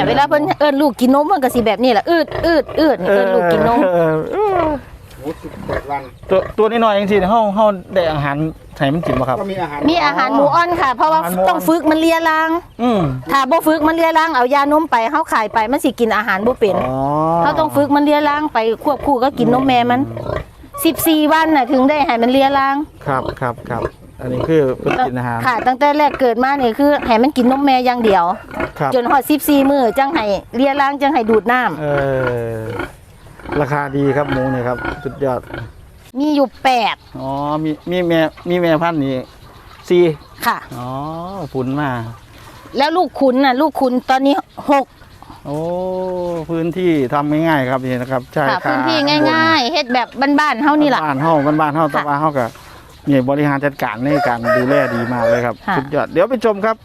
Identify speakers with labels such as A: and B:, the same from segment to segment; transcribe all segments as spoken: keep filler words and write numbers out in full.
A: เวลาเพิ่นเอิ้นลูกกินนมมันก็สิแบบนี้แหละอืดอืดอืดเอิ้นลูกกินนม
B: ตัวตัวนี้น้อยจริงๆเฮาเฮาได้อาหารให้มันกินบ่ครับ
C: มีอาหาร
A: มีอาหารหมูอ่อนค่ะเพราะว่าต้องฝึกมันเลียราง
B: อืม
A: ถ้าบ่ฝึกมันเลียรางเอายานมไปเฮาขายไปมันสิกินอาหารบ่เป็นเฮาต้องฝึกมันเลียรางไปควบคู่ก็กินนมแม่มันสิบสี่วันน่ะถึงได้ให้มันเลียราง
B: ครับครับครับอันนี้คือเป็นกินอาหาร
A: ค่ะตั้งแต่แรกเกิดมานี่คือให้มันกินนมแม่อย่างเดียวจนฮอดสิบสี่มื้อจังให้เลียรางจังให้ดูดน้ำ
B: เออราคาดีครับหมูนี่ครับสุดยอด
A: มีอยู่แปด
B: อ๋อมีมีแม่มีแม่พันธุ์นี่สี่
A: ค่ะ
B: อ๋อฝุ่นมา
A: แล้วลูกขุนน่ะลูกขุนตอนนี้หก
B: โอ้พื้นที่ทำง่ายๆครับนี่นะครับใช่
A: ค่ะพื้นที่ง่ายๆเฮ็ดแบบบ้านๆเฮานี่แหละ
B: บ้านเฮาบ้านๆเฮาแต่ว่าเฮาก็มีบริหารจัดการในการดูแลดีมากเลยครับสุดยอดเดี๋ยวไปชมครับ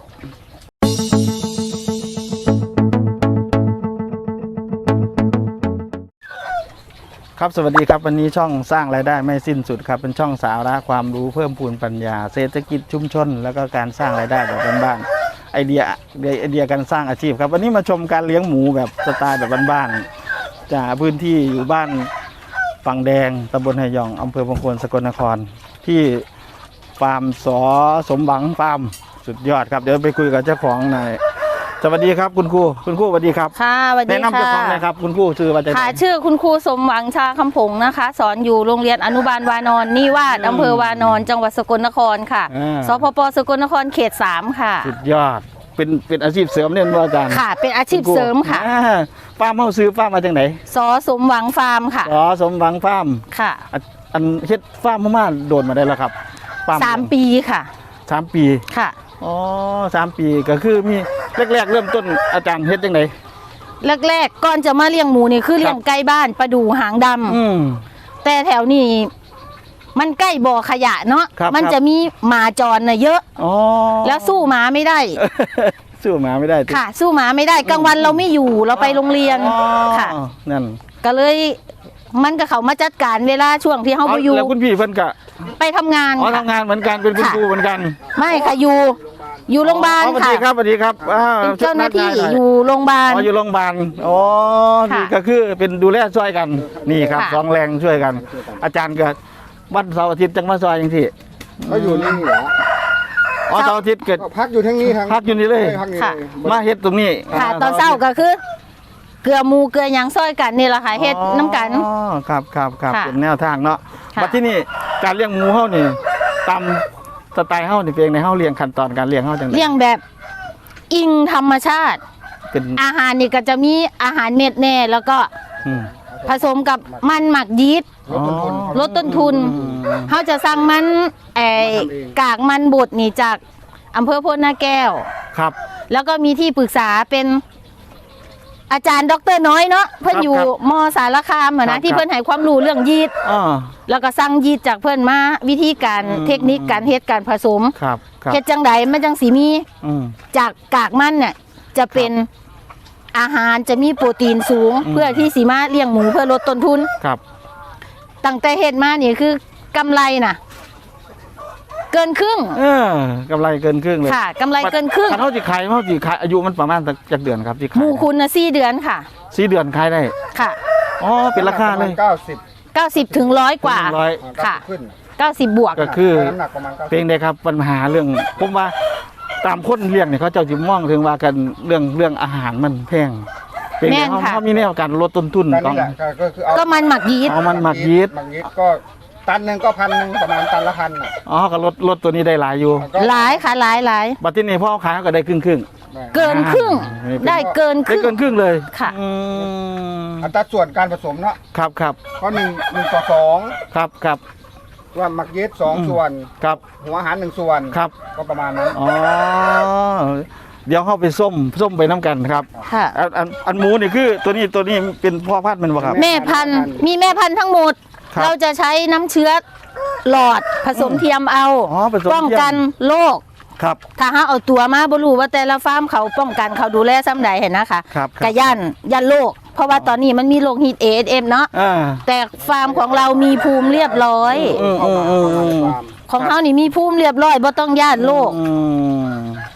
B: ครับสวัสดีครับวันนี้ช่องสร้างรายได้ไม่สิ้นสุดครับเป็นช่องสาระความรู้เพิ่มพูนปัญญาเศรษฐกิจชุมชนแล้วก็การสร้างรายได้แบบบ้านๆไอเดียไอเดียการสร้างอาชีพครับวันนี้มาชมการเลี้ยงหมูแบบสไตล์แบบบ้านๆจากพื้นที่อยู่บ้านฝั่งแดงตำบลไหหย่องอำเภอบางโคนสกลนครที่ฟาร์มสอสมหวังฟาร์มสุดยอดครับเดี๋ยวไปคุยกับเจ้าของหน่อยสวัสดีครับคุณครูคุณครูสวัสดีครับ
A: ค่ะสวัสดีค่ะ
B: แนะนำเจ้าของหน่อยครับคุณครูชื่อว่าจะ
A: ค่ะชื่อคุณครูสมหวังชาคำผงนะคะสอนอยู่โรงเรียนอนุบาลวานอนนิวาสอำเภอวานอนจังหวัดสกลนครค่ะสพปสกลนครเขตสามค่ะ
B: สุดยอดเป็นเป็นอาชีพเสริมเนี่ยอาจารย์
A: ค่ะเป็นอาชีพเสริมค่ะ
B: ฟาร์มเฮาซื้อฟาร์มมาจากไหน
A: สอสมหวังฟาร์มค่ะ
B: สอสมหวังฟาร์ม
A: ค่ะ
B: อันเฮ็ดฟาร์มมาโดนมาได้แล้วครับ
A: สามปีค่ะ
B: สามปี
A: ค่ะ
B: อ๋อสามปีก็คือมีแรกๆเริ่มต้นอาจารย์เฮ็ดจังได
A: แรกๆก่อนจะมาเลี้ยงหมูนี่คือเลี้ยงไก่บ้านปลาดูหางดำแต่แถวนี้มันใกล้บ่อขยะเนาะมันจะมีหมาจรน่ะเยอะแล้วสู้หมาไม่ได้
B: สู้หมาไม่ได้
A: ค่ะสู้หมาไม่ได้กลางวันเราไม่อยู่เราไปโรงเรียนค่ะ
B: นั่น
A: ก็เลยมันก็เขามาจัดการเวลาช่วงที่เขาไปอยู่
B: แล้วคุณพี่เพิ่นก็
A: ไปทำงาน
B: อ๋อทำงานเหมือนกันเป็นคุณครูเหมือนกัน
A: ไม่ค่ะอยู่อยู่โรงพยาบาลค่ะ
B: สวัสดีครับสวัสดีครับ
A: เป็นเจ้าหน้าที่อยู่โรงพยาบาล
B: อ๋ออยู่โรงพยาบาลอ๋อนี่ก็คือเป็นดูแลช่วยกันนี่ครับสองแรงช่วยกันอาจารย์ก็วันเสาร์อาทิตย์จังมาซอยอย่างที่
C: เขาอยู่นี่เหรอ
B: อ๋อเสาร์อาทิตย์เกิด
C: พักอยู่ทั้งนี้ทั้ง
B: พักอยู่นี่เลย
A: ค่ะ
B: มาเฮ็ดตรงนี้
A: ค่ะตอนเช้าก็คือเกลือมูเกลือยังซอยกันนี่แหละค่ะเฮ็ดน้ำกัน
B: อ๋อครับครับครับเป็นแนวทางเนาะมาที่นี่การเลี้ยงหมูเฮานี่ตามสไตล์เฮานี่เป็นในเฮาเลี้ยงขั้นตอนการเลี้ยงเฮาจังได๋
A: เลี้ยงแบบอิงธรรมชาติเป็นอาหารนี่ก็จะมีอาหารเม็ดแน่แล้วก็ผสมกับมันหมักยีสต์ลดต้นทุนเขาจะสั่งมันไอ้กากมันบดนี่จากอำเภอโพธิ์นาแก้ว
B: ครับ
A: แล้วก็มีที่ปรึกษาเป็นอาจารย์ดรน้อยเนาะเพื่อนอยู่ม.สารคามนะที่เพื่อนให้ความรู้เรื่องยีสต์แล้วก็สั่งยีสต์จากเพื่อนมาวิธีการเทคนิคการเฮ็ดการผสมเฮ็ดจังไดมันจังสีมีจากกากมันเนี่ยจะเป็นอาหารจะมีโปรตีนสูงเพื่อที่สีมาเลี้ยงหมูเพื่อลดต้นทุน
B: ครับ
A: ตั้งแต่เฮ็ดมานี่คือกำไรน่ะเกินครึ่ง
B: เออกำไรเกินครึ่งเลย
A: ค่ะกำไรเกินครึ่ง
B: เขาจะขายเขาจะขายอายุมันประมาณจากเดือนครับที่ขาย
A: หมูคุณนะสี่เดือนค่ะ
B: สี่เดือนขายได้
A: ค่ะ
B: อ๋อเป็นราคาเลย
C: เก้าสิบ
A: เก้าสิบถึงร้อยกว่าค่ะเก้าสิบบวก
B: ก็คือเพลงได้ครับปัญหาเรื่องผมว่าตามคนเลี้ยงเนี่ยเขาเจ้าจิมมองถึงว่ากันเรื่องเรื่องอาหารมันแพงเป็นไงเขามีแนวการลดต้นทุน
C: ต้อง
A: ก็มันหมักยีสต์
B: เอามันหมักยีสต์
C: หมักยีสต์ก็ตันหนึ่งก็พันหนึ่งประมาณตันละพัน
B: อ๋อก็ลดลดตัวนี้ได้หลายอยู่
A: หลายค่ะหลายหลาย
B: บัดที่นี่พ่อขายก็ได้ครึ่งครึ่ง
A: เกินครึ่งได้เกินครึ่ง
B: เกินครึ่งเลย
A: ค่ะ
C: อัตราส่วนการผสมเนาะ
B: ครับครับ
C: ก็หนึ่งหนึ่งต่อสอง
B: ครับครับ
C: ว่าหมักยีสต์สองส่วน
B: ครับ
C: หัวอาหารหนึ่งส่วน
B: ครับ
C: ก็ประมาณนั้น
B: อ๋อเดี๋ยวเข้าไปส้มส้มไปน้ำกันครับ
A: ค่ะ
B: อันอันหมูนี่คือตัวนี้ตัวนี้เป็นพ่อพันธุ์มันบ่ครับ
A: แม่พันธุ์มีแม่พันธุ์ทั้งหมดเราจะใช้น้ำเชื้อหลอดผสมเทียมเอาป้องกันโรค
B: ครับ
A: ถ้าหาเอาตัวมาบรู้ว่าแต่ละฟาร์มเขาป้องกันเขาดูแลซ้ำใดเห็นนะคะกะยันยันโรคเพราะว่าตอนนี้มันมีโรคฮีทเอเอ็มเนาะแต่ฟาร์มของเรามีภูมิเรียบร้อยของเขานี่มีภูมิเรียบร้อยบ่ต้องย่านโรค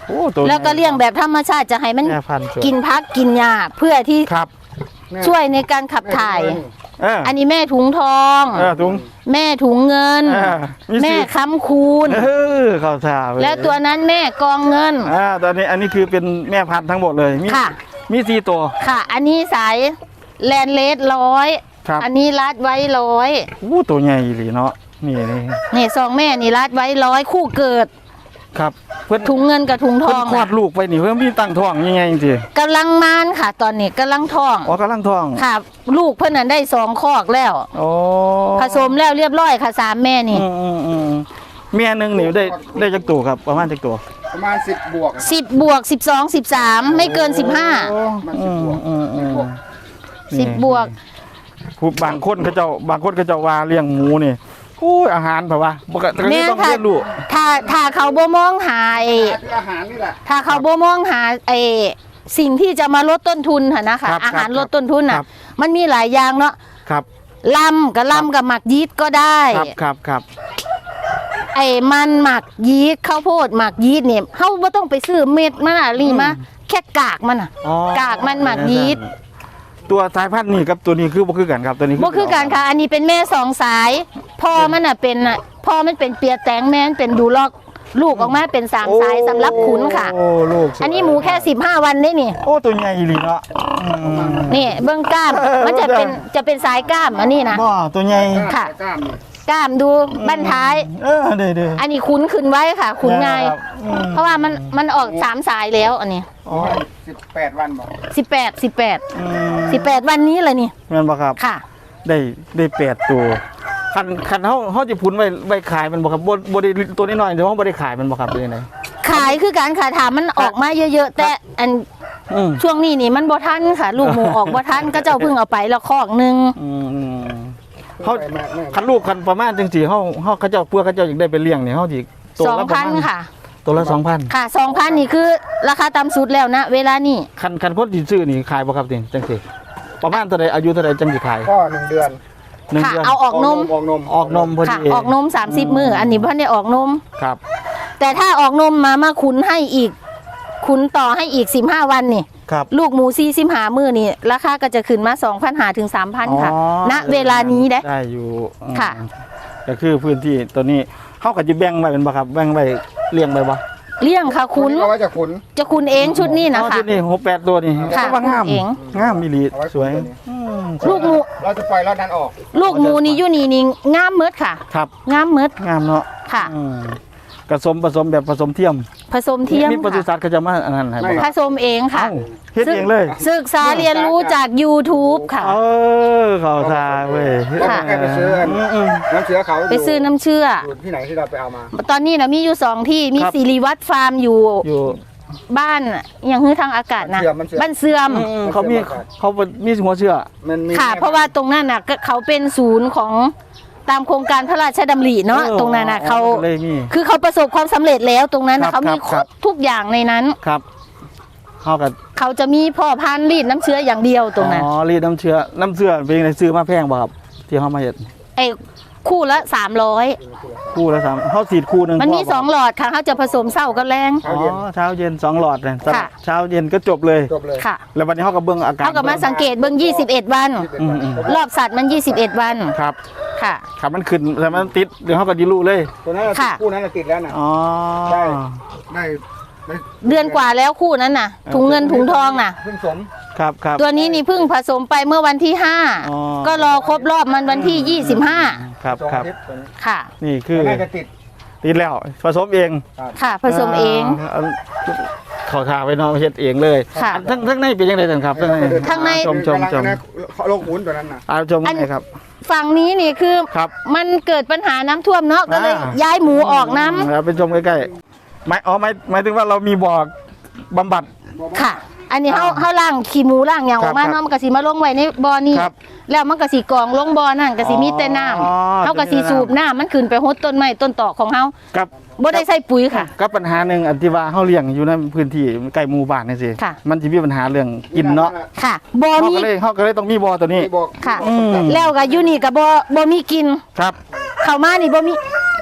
B: โอ้ตัว
A: แล้วก็เลี้ยงแบบธรรมชาติจะให้มัน
B: แม่พันธุ์สวย
A: กินพักกินหญ้าเพื่อที่
B: ครับ
A: ช่วยในการขับถ่าย
B: เออ
A: อันนี้แม่ถุงทอง
B: เออถุง
A: แม่ถุงเงิน
B: เออมีสิ
A: แม่ค้ำคูณ
B: เออเข้าท่าเย
A: แล้วตัวนั้นแม่กองเงิน
B: อ่าตอนนี้อันนี้คือเป็นแม่พันธุ์ทั้งหมดเลยมี
A: ค่ะ
B: มีสี่ตัว
A: ค่ะ อันนี้สายแลนเลสร้อย
B: ครับ
A: อันนี้รัดไว้ร้อย
B: อู้ตัวใหญ่อีหลีเนาะนี่นี่
A: นี่สองแม่นี่รัดไว้ร้อยคู่เกิด
B: ครับเพิ่น
A: ถุงเงินกับถุงท
B: เพิ่
A: อน ง
B: คลอดลูกไปนี่เพิ่นมีตั้งท้องยังไงจริง
A: กำลังมานค่ะ ตอนนี้กำลังท้อง
B: อ๋อกำลังท้อง
A: ค่ะ ลูกเพิ่นนั้นได้สองคอกแล้ว
B: โอ้
A: ผสมแล้วเรียบร้อยค่ะสามแม่นี่
B: อืมอืมอืมแม่หนึงนี่ได้ได้จักตัวครับประมาณจักตัว
C: ประมาณสิบบวก
A: สิบบวกสิบสองสิบสามไม่เกินสิบห้า
C: มัน
B: อื
C: สิบ
B: ม
C: บวก
B: อืมอืม
C: บวก
A: สิบบวก
B: ผู้บางคนเขาเจ้าบางคนเขาเจ้าว่าเลี้ยงหมูนี่โอ้ยอาหารแบบว่าปกติ
A: แม่
B: ต้อง
A: ค่ะ
B: เรียนรู้
A: ถ้าถ้าเขาบ่มองหาไอ้
C: คืออาหารนี่แหละ
A: ถ้าเขาบ่มองหาไอ้สิ่งที่จะมาลดต้นทุนค่ะนะคะ
B: ครับ
A: อาหาร
B: ครับ
A: ลดต้นทุน
B: ค
A: น่ะ
B: รับ
A: มันมีหลายอย่างเนาะ
B: ครับ
A: ลำกับลำกับหมักยีสต์ก็ได้
B: ครับครับครับ
A: ไอ้มันหมักยีสต์ข้าวโพดหมักยีสต์เนี่ยเฮาบ่ต้องไปซื้อเม็ดมันอ่ะรีมาแค่กากมันอ่ะ
B: อ๋อก
A: ากมันหมักยีสต์
B: ตัวสายพันธุ์นี่กับตัวนี้คือบ่คือกันครับตัวนี้
A: บ่คือกันค่ะ อันนี้เป็นแม่สองสายพ่อมันอ่ะเป็นอ่ะพ่อมันเป็นเปียแตงแม่มันเป็นดูลอกลูกออกมาเป็นสามสายสำหรับขุนค่ะ
B: โอ้ลูกสวย
A: อันนี้หมูแค่สิบห้าวันได้นี่
B: โอ้ตัวใหญ่อีหลีเนาะอืม
A: นี่เบื้องกล้าม
B: เออ
A: มันจะเป็นจะเป็นสายกล้ามอันนี้นะ
B: บ่ตัวใหญ่
A: ค่ะ
C: กล้ามนี่
A: กล้ามดูบั้นท้าย
B: เออเด้อๆ
A: อันนี้ขุนขึ้นไว้ค่ะ ขุนง่าย
B: ครับอืม
A: เพราะว่ามันมันออกสามสายแล้วอันนี้
B: อ๋อ
C: สิบแปดวันบอก
A: สิบแปดสิบแปด
B: อืม
A: สิบแปดวันนี้เลยนี่
B: แม่นบ่ครับ
A: ค่ะ
B: ได้ได้แปดตัวคันคันเฮาเฮาสิพุนไว้ไว้ขายมันบ่ครับบ่บ่ได้ตัวน้อยๆแต่ว่าบ่ได้ขายมันบ่ครับเป็นจังได
A: ขายคือการขายถามมันออกมาเยอะๆ แต่อัน
B: อืม
A: ช่วงนี้นี่มันบ่ทันค่ะ ลูกหมูออกบ่ทันก็เจ้าเพิ่งเอาไปแล้วคอกหนึง
B: อืมเฮา
C: แม่แม่
B: คันลูกคันประมาณจังซี่เฮาเฮาเขาเจ้าเพื่อเขาเจ้าอยากได้ไปเลี้ยงนี่เฮาสิตัว
A: สอง
B: ละประ
A: พัน
B: มาณ
A: ค่ะ
B: ตัวละสองพัน
A: ค่ะสองพันนี่คือราคาต่ำสุดแล้วนะเวลานี้
B: คันคันคนสิซื้อนี่ขายบ่ครับนี่จังซี่ประมาณเท่าใดอายุเท่าใดจังสิขาย
C: ก็หนึ่งเดือน
B: หนึ่ง
A: ค่ะ
B: เดือน
A: เอาออกนม
C: ออกนม
B: ออกนมพอ
A: ค่ะ
B: ดี
A: ออกนมสามสิบมื้ออันนี้เพิ่นได้ออกนม
B: ครับ
A: แต่ถ้าออกนมมามาขุนให้อีก ขุนต่อให้อีกสิบห้าวันนี่
B: ครับ
A: ลูกหมูซีซิมหามือนี่ราคาก็จะขึ้นมาสองพันหาถึงสามพันค่ะ
B: อ๋อ
A: ณเวลานี้เด้
B: ได้อยู่อืม
A: ค่ะ
B: ก็คือพื้นที่ตัวนี้เฮาก็สิแบ่งไว้เป็นบ่ครับแบ่งไว้เลี้ยงไว้บ่
A: เลี้ยงค่ะขุน
C: เอาไว้จะขุน
A: จะขุนเองชุดนี้นะ
B: อ๋อ
A: คะ
B: ชุดนี้หกแปดตัวนี่
A: ค่ะ
B: ว่างาม
A: เอง
B: งามอีหลี
C: เอาไว้
B: สวย
C: ขุนตัวนี้
B: อืม
A: ลูกหมู
C: เราจะปล่อยแล้วดันออก
A: ลูกหมูนี่อยู่นี่นี่งามเมืดค่ะ
B: ครับ
A: งามเมืด
B: งามเนาะ
A: ค่ะ
B: อืมผสมผสมแบบผสมเทียม
A: ผสมเทียม
B: มีปศุ
A: ค่ะ
B: สัตว์ก็จะมาอันนั้นให้บ่
A: ผสมเองค่ะ
B: เอ้าเฮ็ดเองเลย
A: ศึกษาเรียนรู้จาก YouTube ค่ะ
B: เออเข้าท่าเว้ย
A: ค่ะ
C: แค่ไปซื้อ
B: อืมอืม
C: น้ำเสือเขา
A: ไปซื้อน้ำเชื่อ
C: อยู่ที่ไหนที่เราไปเอามา
A: ตอนนี้นะมีอยู่สองที่มี
B: ครับ
A: สิริวัตรฟาร์มอยู่
B: อยู่
A: บ้านอย่างฮือทางอากาศนะ
C: เสื่อมมันเสื่อม
A: บ้านเสื่อม
B: อืมเขามีเขามีหัวเชื่อ
C: มันมี
A: ค่ะ เพราะว่าตรงนั้นน่ะก็เขาเป็นศูนย์ของตามโครงการพระราชดำริเนาะ
B: เออ
A: ตรงนั้นน่ะเขา
B: เลยมี
A: คือเขาประสบความสำเร็จแล้วตรงนั้นน่ะ
B: ครั
A: เขา
B: บ
A: มี
B: ค
A: ครับ ร
B: ครับ
A: บทุกอย่างในนั้น
B: ครับเฮาก็
A: เขาจะมีพ่อพันธุ์รีดน้ำเชื้ออย่างเดียวตรงนั้น
B: อ๋อรีดน้ำเชื้อน้ำเชื้อเป็นไงซื้อมาแพงบ่ครับที่เฮามาเฮ็ด
A: ไอ้คู่ละสามร้อย
B: คู่ละสามเฮาสีดคู่หนึง
A: มันมี
B: พบ่
A: สองหลอดค่ะเขาจะผสมเศร้ากับแรง
B: อ๋อเช้าเย็นสองหลอดเลย
A: ค่ะ
B: เช้าเย็นก็จบเลย
C: จบเลย
A: ค่ะ
B: แล้ววันนี้เฮาก็เบิ่งอาการ
A: เขากับมาสังเกตเบิ่งยี่สิบเอ็ดวัน
B: อืมอืม
A: รอบสัตว์มันยี่สิบเอ็ดวัน
B: ครับ
A: ค่ะ
B: ครับมันขึ้นแต่มันติดเดี๋ยวเฮาก็สิรู้เลย
C: ตัวนั้นน่ะ
A: ค่ะ
C: คู่นั้นน่ะติดแล้วน่ะ
B: อ๋อ
C: ใช่ ได้ได้
A: เดือนกว่าแล้วคู่นั้นน่ะ ถุงเงินถุงทองน่ะ
C: เพิ่งสม
B: ครับครับ
A: ตัวนี้นี่เพิ่งผสมไปเมื่อวันที่ห้า
B: อ๋อ
A: ก็รอครบรอบมันวันที่ยี่สิบห้า
B: ครับ
C: สอง
B: ครับ
C: อาทิตย์ตัวนี้
A: ค่ะ
B: นี่คือ
C: น่าจะติด
B: ติดแล้วผสมเอง
A: ค่ะ ผสมเอง
B: าเขาทาไปเนาะเฮ็ดเองเลย
A: ค่ะ
B: อันทั้งทั้งในเป็นยังไงกันครับทั้งใน
A: ข้างใน
B: ชมชม
C: กำลัง
B: ชม
C: นะโรคหมุนตัวนั้นน่ะ
B: เอาชม
A: อัน
B: ไงครับ
A: ฝั่งนี้นี่คือ
B: ครับ
A: มันเกิดปัญหาน้ำท่วมเนาะก็เลย
B: อ่า
A: ย้ายหมูออกน้ำ
B: เราไปชมใกล้ๆหมายอ๋อหมายหมายถึงว่าเรามีบ่อบำบัด
A: ค่ะ อันนี้เฮาเฮาล่างขี้หมูล่างอย่างออกมา
B: ครับ
A: เนาะมันก็สิมาลงไว้ในบ่อนี่
B: ครับ
A: แล้วมันก็สิกองลงบ่อนั่นก็สิมีแต่น้ำ
B: อ๋อ
A: เฮาก็สิสูบน้ำมันขึ้นไปฮดต้นไม้ต้นตอกของเฮา
B: กับ
A: บ่ได้ใส่ปุ๋ยค่ะ
B: กับปัญหาหนึ่งอันที่ว่าเฮาเลี้ยงอยู่ในพื้นที่ใกล้หมู่บ้านนี่สิ
A: ค่ะ
B: มันสิมีปัญหาเรื่องกินเนาะ
A: ค่ะบ่
B: เฮา
A: มี
B: ก็เลยเฮาก็เลยต้องมีบ่อตัวนี้
C: ที่บอก
A: ค่ะ
B: อืม
A: แล้วก็อยู่นี่ก็บ่บ่มีกิน
B: ครับ
A: เข้ามานี่บ่มี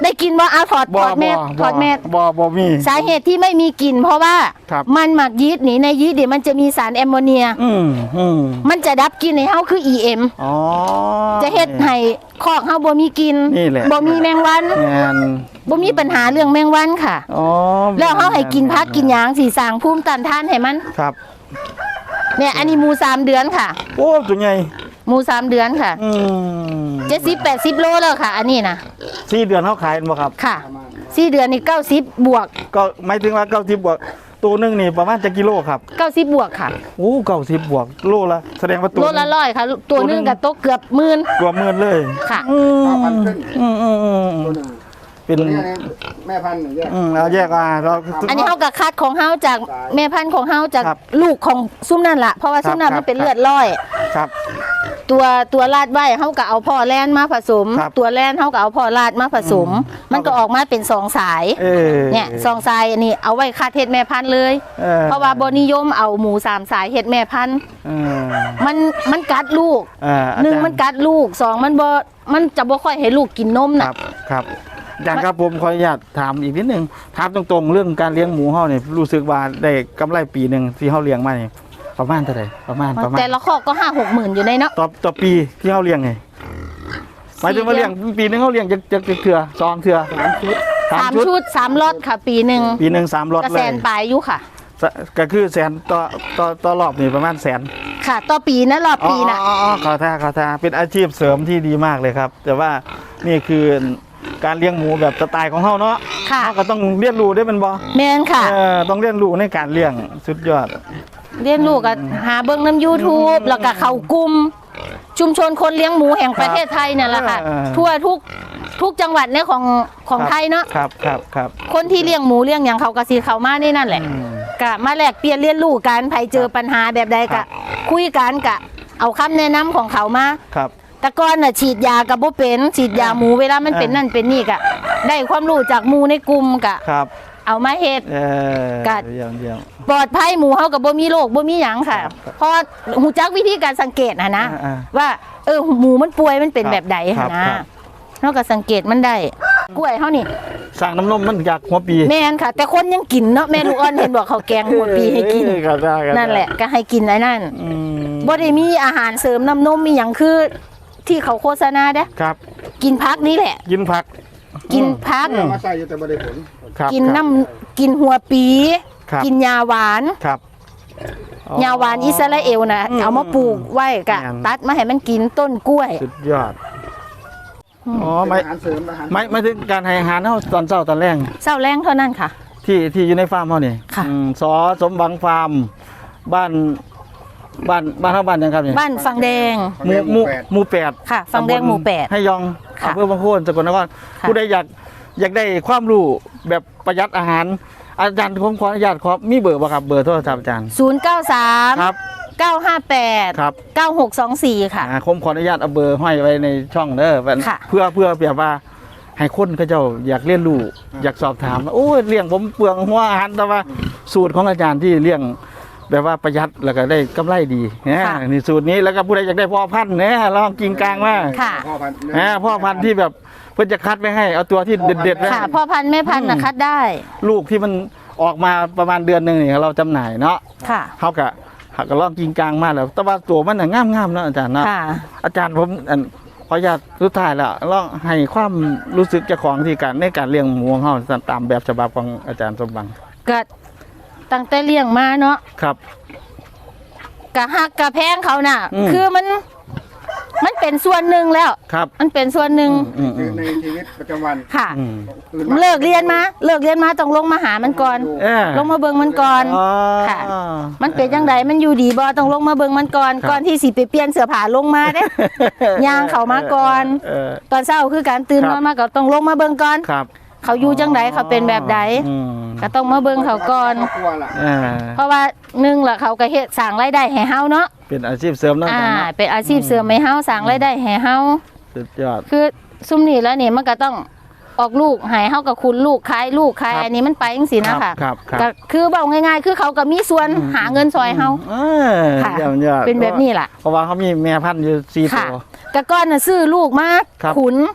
A: ได้กินบ่เอาถอดถอดแมสถอดแมส
B: บ่บ่มี
A: สาเหตุที่ไม่มีกลิ่นเพราะว่า
B: ครับ
A: มันหมักยีสต์นี่ในยีสต์เนี่ยมันจะมีสารแอมโมเนีย
B: อืมอืม
A: มันจะดับกลิ่นในเฮาคือ อี เอ็ม
B: อ๋อ
A: จะเฮ็ดให้คอกเฮาบ่มีกลิ่น
B: นี่แหละ
A: บ่มีแมงวัน
B: งาน
A: บ่มีปัญหาเรื่องแมงวันค่ะ
B: อ๋อ
A: แล้วเฮาให้กินพักกินหยางสิสร้างภูมิต้านทานให้มัน
B: ครับ
A: เนี่ยอันนี้หมูสามเดือนค่ะ
B: โอ้ตัวใหญ่
A: หมูสามเดือนค่ะ
B: อืม
A: เจ็ดสิบแปดสิบโลแล้วค่ะ อันนี้นะ
B: สี่เดือนเขาขายบ่ครับ
A: ค่ะสี่เดือนนี่เก้าสิบบวก
B: ก็หมายถึงว่าเก้าสิบบวกตัวหนึงนี่ประมาณจะกิโลครับ
A: เก้าสิบบวกค่ะ
B: โอ้เก้าสิบบวกโลละแสดงว่าตัว
A: โลละร้อยค่ะ ตัวหนึงกับโต๊ะเกือบหมื่น
B: กว่าหมื่นเลย
A: ค่ะ
B: อืม
C: ห้าพันขึ้น
B: อืมอืมอืม
C: ตัวหนึ่ง
B: เป็น
C: ตัวนี้อันนี้แม่พันธุ์เนี่ยแยก
B: อืมเอาแยกอ่ะเรา
A: อันนี้เฮากับคัดของเฮาจากแม่พันธุ์ของเฮาจาก
B: ครับ
A: ลูกของซุ้มนั่นล่ะเพราะว่าซุ้มนั่น
B: ครับ
A: มันเป็นเลือดร้อย
B: ครับ
A: ตัวตัวลาดไว้เฮาก็เอาพ่อแล่นมาผสม
B: ครับ
A: ตัวแล่นเฮาก็เอาพ่อลาดมาผสม
B: อืม
A: มันก็ออกมาเป็นสองสาย
B: เออ
A: เนี่ยสองสายอันนี้เอาไว้คัดเฮ็ดแม่พันธุ์เลย
B: ออ
A: เพราะว่าบ่นิยมเอาหมูสามสายเฮ็ดแม่พันธุ์
B: เออ
A: มันมันกัดลูก
B: เอออาจารย์
A: หนึ่งมันกัดลูกสองมันบ่มันจะบ่ค่อยให้ลูกกินนม
B: ค
A: น่ะ
B: รับครับอาจารย์ครับผมขออนุญาตถามอีกนิดนึงถามตรงๆเรื่องการเลี้ยงหมูเฮาเนี่ยรู้สึกว่าได้กำไรปีหนึ่งที่เฮาเลี้ยงมานี่ประมาณเท่าไหร่ประมาณประมาณ
A: แต่ละคอกก็ ห้าหกหมื่นอยู่ในเนาะ
B: ต่อต่อปีที่เฮาเลี้ยงไงหมายถึงว่าเลี้ยงปีหนึงเฮาเลี้ยงจะจะจะเถื่อสองเถื่อสามชุด
A: สามชุดสามล็อตค่ะ ปีหนึ่ง
B: ปีหนึ่งสามรถ
A: ก็
B: เล
A: แส
B: ย
A: นปลายอยู่ค่ะ
B: สะก็คือแสนต่อต่อต่อรอบนี่ประมาณแสน
A: ค่ะ ต่อปีนะรอบปีนะ
B: อ๋ออ๋ออ๋อขอท่าขอท่าเป็นอาชีพเสริมที่ดีมากเลยครับ แต่ว่านี่คือการเลี้ยงหมูแบบสไตล์ของเฮาเนาะ
A: ค่ะ
B: เฮาก็ต้องเรียนรู้ได้เป็นบ่
A: แม่นค่ะ
B: เออต้องเรียนรู้ในการเลี้ยงสุดยอด
A: เรียนลูกก็หาเบิ่งน้ำ YouTube แล้วก็เข้ากลุ่มชุมชนคนเลี้ยงหมูแห่งประเทศไทยเนี่ยแหละค่ะ
B: เออ
A: ทั่วทุกทุกจังหวัดเนี่ยของของไทยเนาะ
B: ครับครับครับ
A: คนที่เลี้ยงหมูเลี้ยงหยังเขาก็สิเข้ามานี่นั่นแหละ
B: อืม
A: กะมาแลกเปลี่ยนเรียนรู้กันใครเจอปัญหาแบบใด
B: ครั
A: กะ
B: บ
A: คุยกันกะ เอาคำแนะนำของเขามา
B: ครับ
A: แต่ก่อนน่ะฉีดยากับบ่เป็นฉีดยาหมูเวลามันเป็นนั่นเป็นนี่กะ ได้ความรู้จากหมูในกลุ่มกะ
B: ครับ
A: เอามาเฮ็ด
B: เออ
A: กัด
B: เยี่ยมเยี่ยม
A: ปลอดภัยหมูเฮากับบ่มีโรคบ่มีหยังค่ะ
B: ครับ
A: เพราะหูจักวิธีการสังเกตนะนะ
B: อ่า
A: ว่าเออหมูมันป่วยมันเป็น
B: ครับ
A: แบบใด
B: ครั
A: หั่
B: บ
A: นนะครับ เฮาก็สังเกตมันได้กล้วยเฮานี่
B: สั่งน้ำนมมันจากหัวปี
A: แม่นค่ะ แต่คนยังกินเนาะแม่ลูกอ่อนเห็นบอกเขาแกงหัวปีให้กิน
B: เออครับได้ครับ
A: นั่นแหละก็ให้กินไอ้นั่น
B: อืม
A: บ่ได้มีอาหารเสริมน้ำนมมีหยังคือที่เขาโฆษณาเด้อ
B: ครับ
A: กินพักนี่แหละ
B: กินผัก
A: กินพัก
C: เอามาใส่อยู่แต่บ่ได้ผล
B: ครับ
A: กิน
B: ครับ
A: น้ำกินหัวปี
B: ครับ
A: กินยาหวาน
B: ครับ
A: ยาหวานอิสราเอลนะ
B: อืม
A: เอามาปลูกไว้กะ
B: อืม
A: ตัดมาให้มันกินต้นกล้วย
B: สุดยอดอ๋อ
C: เป็น
B: ไม่
C: อาหารเสริมอาหาร
B: ไม่ไม่ถึงการให้อาหารเฮาตอนเช้าตอนแรง
A: เศร้าแรงเท่านั้นค่ะ
B: ที่ที่อยู่ในฟาร์มเขานี่
A: ค่ะ
B: อืมสอสมหวังฟาร์ม บ้านบ้านบ้านเฮาบ้านยังครับนี่
A: บ้านฟังแดง
B: หมู่หมู่หมู่แปด
A: ค่ะ ฟังแดงหมู่แปด
B: ให้ยอง
A: ค่ะ
B: อำเภอบางโคนสกลนคร
A: ค่ะ
B: ผู้ใดอยากอยากได้ความรู้แบบประหยัดอาหาร อาจารย์ผมขออนุญาตขอมีเบอร์บ่ครับเบอร์โทรศัพท์อาจารย์
A: ศูนย์เก้าสาม
B: ครับ
A: เก้าห้าแปด
B: ครับ
A: เก้าหกสองสี่ค่ะ
B: อ่าผมขออนุญาตเอาเบอร์ห้อยไว้ในช่องเด้อแบบ
A: ค่ะ
B: เพื่อเพื่อแบบว่าให้คนเขาเจ้าอยากเรียนรู้อยากสอบถามว่าโอ้ยเลี้ยงผมเปลืองหัวอาหารแต่ว่าสูตรของอาจารย์ที่เลี้ยงแบบว่าประหยัดแล้วก็ได้กำไรดีเนี่ย
A: ค่ะ
B: นี่สูตรนี้แล้วก็ผู้ใดอยากได้พ่อพันธุ์เนี่ยลองกินกลางมา
A: ค่ะ
C: พ่อพันธุ์
B: อ่าพ่อพันธุ์ที่แบบเพื่อจะคัดไว้ให้เอาตัวที่เด็ดๆไว้
A: ค่ะ พ่อพันธุ์แม่พันธุ์นะคัดได้
B: ลูกที่มันออกมาประมาณเดือนหนึ่งเนี่ยเราจำหน่ายเนาะ
A: ค่ะ
B: เขากะเขาก็ลองกินกลางมาแล้ว แต่ว่าตัวมันน่ะงามๆเนาะอาจารย์เนาะ
A: ค่ะ
B: อาจารย์ผมอันขออนุญาตสุดท้ายแล้วลองให้ความรู้สึกเจ้าของที่การในการเลี้ยงหมูของเขาตามแบบฉบับของอาจารย์สมบัง
A: ก็ตั้งแต่เลี้ยงมาเนาะ
B: ครับ
A: กะฮักกะแพงเขาน่ะ
B: อืม
A: คือมันมันเป็นส่วนหนึ่งแล้ว
B: ครับ
A: มันเป็นส่วนหนึ่ง
B: อืมอื
C: คือ
B: ม
C: ในชีวิตประจำวัน
A: ค่ะ
B: อืม
C: ตื่นมา
A: เลิกเรียนมา เลิกเรียนมาต้องลงมาหามันก่อน
B: เออ
A: ลงมาเบิ่งมันก่อน
B: อ๋อ
A: ค่ะ มันเป็นจังไดมันอยู่ดีบ่ต้องลงมาเบิ่งมันก่อน
B: ครับ
A: ก่อนที่สิไปเปลี่ยนเสื้อผ้าลงมาเด้ ย่างเข้ามาก่อน
B: เออ
A: ตอนเช้าคือการตื่น
B: ครับ
A: นอนมาก็ต้องลงมาเบิ่งก่อน
B: ครับ
A: เขาอยู่จังไดเขาเป็นแบบใด
B: อืม
A: ก็ต้องมาเบิ่งเขาก่อน
C: ครอบครัวล่ะ
B: อ่า
A: เพราะว่าหนึ่งล่ะเขาก็เฮ็ดสร้างรายได้ให้เฮาเนาะ
B: เป็นอาชีพเสริมเนาะอา
A: อ่า
B: จารย์เนาะ
A: เป็นอาชีพเสริมให้เฮาสร้างรายได้ให้เฮา
B: สุดยอด
A: คือซุมนี้แล้วนี่มันก็ต้องออกลูกให้เฮากับคุณลูกขายลูกขาย
B: ครับ
A: อันนี้มันไปจังซี่นะ
B: ครั
A: คะ
B: บครับครับ
A: ก็คือเว้าง่ายๆ คือเขาก็มีส่วนหาเงินซอยเฮา
B: เออ
A: ค่ะ
B: เยี่ยมยอด
A: เป็นแบบนี้ล่ะ
B: เพราะว่าเขามีแม่พันธุ์อยู่สี่ตั
A: ค่ะ
B: ว
A: แต่ก่อนน่ะซื้อลูกมา
B: ครับ
A: ขุน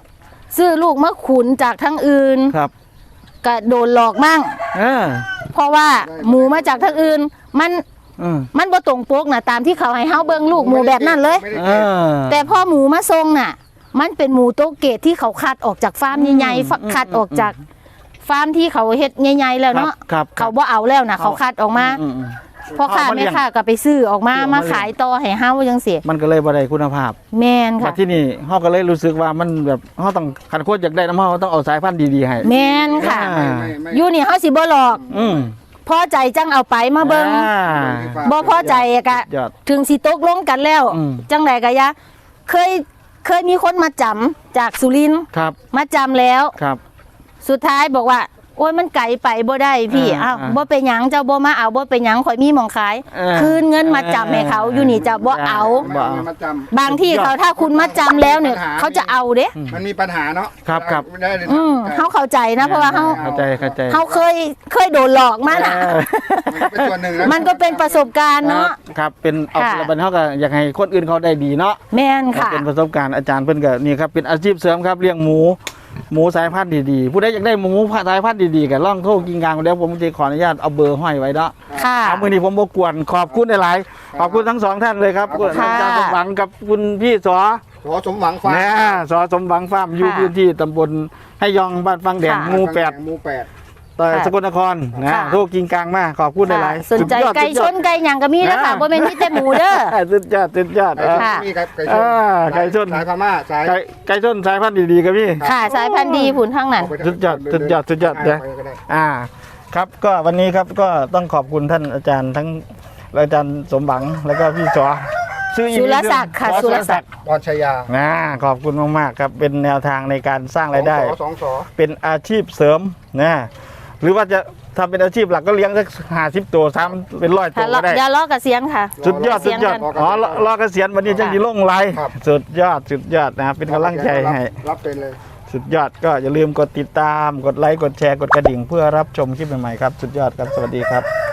A: ซื้อลูกมาขุนจากทั้งอื่น
B: ครับ
A: ก็โดนหลอกมั่ง
B: เออ
A: เพราะว่าหมูมาจากทั้งอื่น มัน
B: อืม
A: มันบ่ตรงปกนะตามที่เขาให้เฮาเบิ่งลูกหมูแบบนั้นเลย
C: ไม่ได้
B: เอ
C: เก็บ
B: อ
A: แต่พอหมูมาทรงน่ะ มันเป็นหมูโตเกตที่เขาคัดออกจากฟาร์มใหญ่
B: อืม
A: ๆคัดออกจากฟาร์มที่เขาเฮ็ดใหญ่ๆแล้วเนาะ
B: ครับครับ
A: เขาบ่เอาแล้วนะเขาคัดออกมา
B: อืมอืม
A: พ่อค้า
B: เอามาเลี้
A: แม่
B: ยง
A: ค้าก็ไปซื้อออกมา
B: เอามา
A: มา
B: เลี้ยง
A: ขายต่อให้เฮาจังซี่
B: มันก็เลยบ่ได้คุณภาพ
A: แม่น
B: มา
A: ค่ะ
B: ที่นี่เฮาก็เลยรู้สึกว่ามันแบบเฮาต้องคันโคตรอยากได้น้ำเฮาต้องเอาสายพันธุ์ดีๆให้
A: แม่นค่ะ
B: อ่า
C: ไม่ไม่
A: อยู่นี่เฮาสิบ่หลอก
B: อืม
A: พอใจจังเอาไปมาเบิ่ง
B: อ่า
A: บ่พอใจกะ
B: ยอด
A: ถึงสิตกลงกันแล้ว
B: อืม
A: จังไดก็อยะเคยเคยมีคนมาจำจากสุรินทร์
B: ครับ
A: มาจำแล้ว
B: ครับ
A: สุดท้ายบอกว่า โอ้ยมันไกลไปบ่ได้พี่
B: อ่า
A: อ้าว
B: อ่า
A: บ่เป็นหยังเจ้าบ่มาเอาบ่เป็นหยังข่อยมีหมองขาย
B: เออ
A: คืนเงินมาจำให้เขาอยู่นี่จะบ่เอา
C: ไม่เอามาจำ
A: บางที่เขาถ้าคุณมาจำแล้วเนี่ยเขาจะเอาเด้
C: มันมีปัญหาเนาะ
B: ครับครับ
C: ไม่ได้เลย
A: อืมเขาเข้าใจนะ เพราะว่าเขา
B: เข้าใจเข้าใจ
A: เขาเคยเคยโดนหลอกมาน่ะ
B: เออ
C: มันเป็นส่วนหนึ่งนะ
A: มันก็เป็นประสบการณ์เนาะ
B: ครับเป็นเอา
A: ค่ะ
B: ละบันเฮาก็อยากให้คนอื่นเขาได้ดีเนาะ
A: แม่นค่ะ
B: เป็นประสบการณ์อาจารย์เพิ่นก็นี่ครับเป็นอาชีพเสริมครับเลี้ยงหมู หมูสายพันธุ์ดีๆผู้ใดอยากได้หมูสายพันธุ์ดีๆก็ลองโทรกินกลางเดี๋ยวผมจะขออนุญาตเอาเบอร์ห้อยไว้เนาะ
A: ค่ะ
B: เอามื้อนี้ผมบ่กวนขอบคุณหลายๆขอบคุณทั้งสองท่านเลยครับคุณ
A: ค่ะ
B: อาจารย์สมหวังกับคุณพี่สอ
C: ขอสมหวังฟ้า
B: แน่สอสมหวังฟาร์มอยู่
A: ค่ะ
B: พื้นที่ตำบลให้ยองบ้านฟังแดง
A: ค่ะ
B: หมู่แปด
C: หมูแปด
B: ต่อ
A: ค่ะ
B: สกลนครนะ
A: ค่ะ
B: โทรกินกลางมาขอบคุณหลายๆ
A: สนใจ
B: สุดยอด
A: ไก่
B: สุดย
A: ช
B: อด
A: นไก่หยังก็มีนะคะ
B: อ่า
A: บ่แม่นมีแต่หมูเด้อ
B: สุดยอดสุดยอด
C: ไก่ชน
A: ค่ะ
C: มีไก่ไก่ชน
B: อ่าไก่ชน
C: สายพม่าสาย
B: ไก่ไก่ชนสายพันธุ์ดีๆครับพี่
A: ค่ะสายพันธุ์ดีผุนทั้งนั้น
B: สุดยอดสุดยอดสุดยอดเดี๋ยว อ่า ครับก็วันนี้ครับก็ต้องขอบคุณท่านอาจารย์ทั้งอาจารย์สมหวังแล้วก็พี่สอชื่ออีก
A: สุร
B: นิดนึง
A: ศักดิ์ค่ะ
B: สอ
A: สุรศักดิ์
C: ตอนชายา
B: นะขอบคุณมากๆครับเป็นแนวทางในการสร้างรายได้
C: สองสองสอ
B: เป็นอาชีพเสริมนะหรือว่าจะทำเป็นอาชีพหลักก็เลี้ยงสักห้าสิบตัวซ้ำเป็นร้อยตั
A: ค่ะ
B: วก็ได้
A: เดี๋ยวล้อเกษียณค่ะ
B: สุดยอดสุดยอด
A: เกษียณกัน
B: อ๋อรอรอเกษียณวันนี้จะมีลงไลน์
C: ครับ
B: สุดยอดสุดยอดนะครับเป็นกำลังใจให้
C: รับเป็นเลย
B: สุดยอดก็อย่าลืมกดติดตามกดไลค์กดแชร์กดกระดิ่งเพื่อรับชมคลิปใหม่ๆครับสุดยอดครับสวัสดีครับ